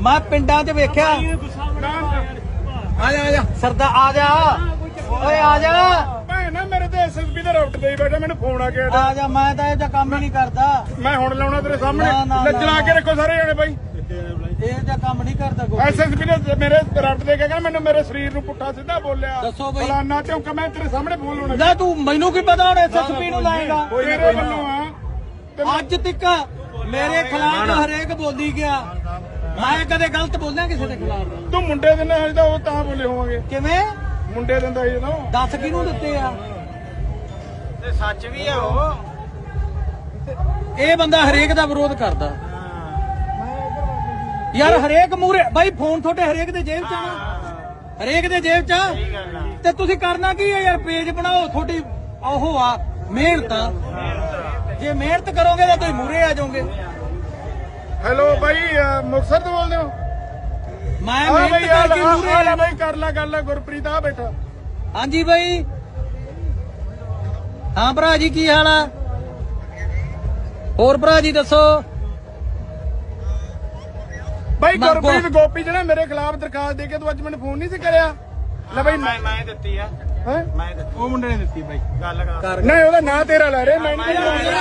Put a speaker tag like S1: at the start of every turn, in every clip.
S1: मैं पिंडा च वेख्या आजा सरदार आजा ओए आजा
S2: ना मेरे तो एसएसपी ਦਾ ਰਾਊਟ ਤੇ ਬੈਠਾ ਮੈਨੂੰ ਫੋਨ ਆ ਗਿਆ
S1: आजा मैं तो ਇਹ ਕੰਮ ਹੀ नहीं करदा
S2: ਮੈਂ ਹੁਣ ਲਾਉਣਾ ਤੇਰੇ ਸਾਹਮਣੇ ਲੱਜਣਾ ਕੇ ਰੱਖੋ ਸਾਰੇ ਜਣੇ ਬਾਈ
S1: ਇਹ ਜਿਹਾ ਕੰਮ ਨਹੀਂ ਕਰਦਾ ਕੋਈ
S2: ਐਸਐਸਪੀ ਨੇ ਮੇਰੇ ਰਾਊਟ ਤੇ ਕਹਿੰਦਾ ਮੈਨੂੰ ਮੇਰੇ ਸਰੀਰ ਨੂੰ ਪੁੱਠਾ ਸਿੱਧਾ ਬੋਲਿਆ
S1: ਦੱਸੋ ਬਈ
S2: ਫਲਾਨਾ ਚੌਂਕਾ ਮੈਂ ਤੇਰੇ ਸਾਹਮਣੇ ਬੋਲ ਲਾਉਣਾ
S1: ਲੈ ਤੂੰ ਮੈਨੂੰ ਕੀ ਪਤਾ ਹੁਣ ਐਸਐਸਪੀ ਨੂੰ ਲਾਏਗਾ
S2: ਤੇਰੇ ਵੱਲੋਂ ਆ
S1: ਅੱਜ ਤੱਕ ਮੇਰੇ ਖਿਲਾਫ ਹਰੇਕ ਬੋਲੀ ਗਿਆ ਮੈਂ ਕਦੇ ਗਲਤ ਬੋਲਿਆ ਕਿਸੇ ਦੇ ਖਿਲਾਫ
S2: ਤੂੰ ਮੁੰਡੇ ਦੇ ਨਾਲ ਤਾਂ ਉਹ ਤਾਂ ਬੋਲੇ ਹੋਵਾਂਗੇ
S1: ਕਿਵੇਂ
S2: ਮੁੰਡੇ ਦਿੰਦਾ ਸੀ ਜਦੋਂ
S1: ਦੱਸ ਕਿਹਨੂੰ ਦਿੱਤੇ ਆ
S3: ਤੇ ਸੱਚ ਵੀ ਆ ਉਹ
S1: ਇਹ ਬੰਦਾ ਹਰੇਕ ਦਾ ਵਿਰੋਧ ਕਰਦਾ ਯਾਰ ਹਰੇਕ ਮੂਰੇ ਬਾਈ ਫੋਨ ਤੁਹਾਡੇ ਹਰੇਕ ਦੇ ਜੇਬ ਚ ਆ ਨਾ ਹਰੇਕ ਦੇ ਜੇਬ ਚ ਆ ਤੇ ਤੁਸੀਂ ਕਰਨਾ ਕੀ ਹੈ ਯਾਰ ਪੇਜ ਬਣਾਓ ਤੁਹਾਡੀ ਉਹ ਆ ਮਿਹਨਤ ਜੇ ਮਿਹਨਤ ਕਰੋਗੇ ਤਾਂ ਤੁਸੀਂ ਮੂਰੇ ਆ ਜਾਓਗੇ
S2: ਹੈਲੋ ਬਾਈ ਮੁਕਤਸਰ ਤੋਂ ਬੋਲਦੇ ਹੋ
S1: ਮੈਂ ਮਿਹਨਤ ਕਰਕੇ ਮੂਰੇ
S2: ਆ ਬਾਈ ਕਰ ਲੈ ਗੱਲ ਗੁਰਪ੍ਰੀਤ ਆ ਬੈਠਾ
S1: ਹਾਂਜੀ ਬਾਈ ਹਾਂ ਭਰਾ ਜੀ ਕੀ ਹਾਲ ਆ ਹੋਰ ਭਰਾ ਜੀ ਦੱਸੋ
S2: ਬਾਈ ਗੁਰਪ੍ਰੀਤ ਗੋਪੀ ਜਿਹੜਾ ਮੇਰੇ ਖਿਲਾਫ ਦਰਖਾਸਤ ਦੇ ਕੇ ਤੂੰ ਅੱਜ ਮੈਨੂੰ ਫੋਨ ਨਹੀਂ ਸੀ ਕਰਿਆ ਲੈ ਬਾਈ
S3: ਮੈਂ ਦਿੱਤੀ ਆ
S2: ਹੈ
S3: ਮੈਂ ਦਿੱਤੀ
S2: ਉਹ ਮੁੰਡੇ ਨੇ ਦਿੱਤੀ ਬਾਈ
S3: ਗੱਲ ਕਰ
S2: ਨਹੀਂ ਉਹਦਾ ਨਾਂ ਤੇਰਾ ਲੈ ਰਹੇ ਮੈਂ ਨਹੀਂ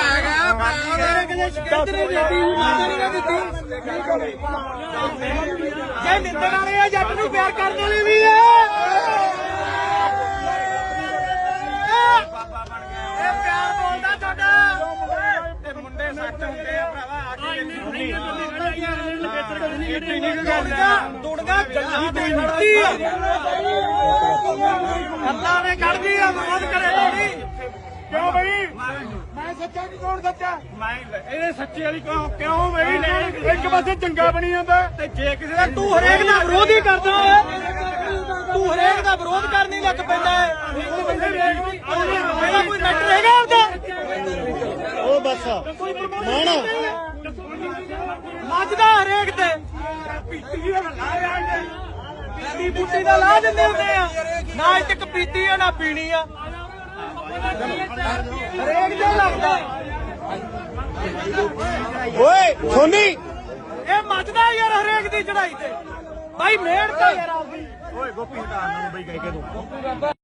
S1: ਜੇ ਨਿੰਦਣ ਵਾਲੇ ਆ ਜੱਟ ਨੂੰ ਪਿਆਰ ਕਰਨ ਵਾਲੇ ਵੀ ਆ
S3: ਬਾਬਾ ਬਣ ਗਿਆ
S1: ਇਹ ਪਿਆਰ ਬੋਲਦਾ ਤੁਹਾਡਾ
S3: ਤੇ ਮੁੰਡੇ ਸੱਚ ਹੁੰਦੇ ਆ ਭਰਾਵਾ ਆ ਕੇ
S1: ਦੁੜਗਾ ਗੱਲਾਂ ਤੇ ਖੜਦੀ ਆ ਅੱਲਾ ਨੇ ਕੱਢਦੀ ਆ ਵਿਰੋਧ ਕਰੇ ਲੋੜੀ
S2: ਕਿਉਂ ਬਈ ਮੈਂ ਸੱਚਾ ਕਿ ਕੌਣ ਸੱਚਾ
S3: ਮੈਂ
S2: ਇਹਦੇ ਸੱਚੇ ਵਾਲੀ ਕਿਉਂ ਬਈ ਇੱਕ ਪਾਸੇ ਚੰਗਾ ਬਣੀ ਜਾਂਦਾ
S1: ਤੇ ਜੇ ਕਿਸੇ ਦਾ ਤੂੰ ਹਰੇਕ ਦਾ ਵਿਰੋਧ ਹੀ ਕਰਦਾ ਹੈ ਤੂੰ ਹਰੇਕ ਦਾ ਵਿਰੋਧ ਕਰਨ ਹੀ ਲੱਗ ਪੈਂਦਾ ਹੈ ਇਹਦਾ ਕੋਈ ਮੈਟਰ ਹੈਗਾ ਉਹਦਾ
S2: ਉਹ ਬਸ ਮਾਣਾ
S1: ਮੱਝਦਾ ਹਰੇਕ ਤੇ ਪੀਤੀ ਬੂਟੀ ਦਾ ਲਾ ਦਿੰਦੇ ਹੁੰਦੇ ਆ ਨਾ ਇੱਕ ਪੀਤੀ ਆ ਨਾ ਪੀਣੀ ਆ ਹਰੇਕ ਤੇ ਲੱਗਦਾ
S2: ਓਏ ਸੋਨੀ
S1: ਇਹ ਮੱਝਦਾ ਯਾਰ ਹਰੇਕ ਦੀ ਚੜਾਈ ਤੇ ਭਾਈ ਮਿਹਨਤ ਆ ਯਾਰ ਆਪਦੀ
S3: ਓਏ ਗੋਪੀ ਹਟਾ ਮੈਨੂੰ ਬਈ ਕਹਿ ਕੇ ਤੂੰ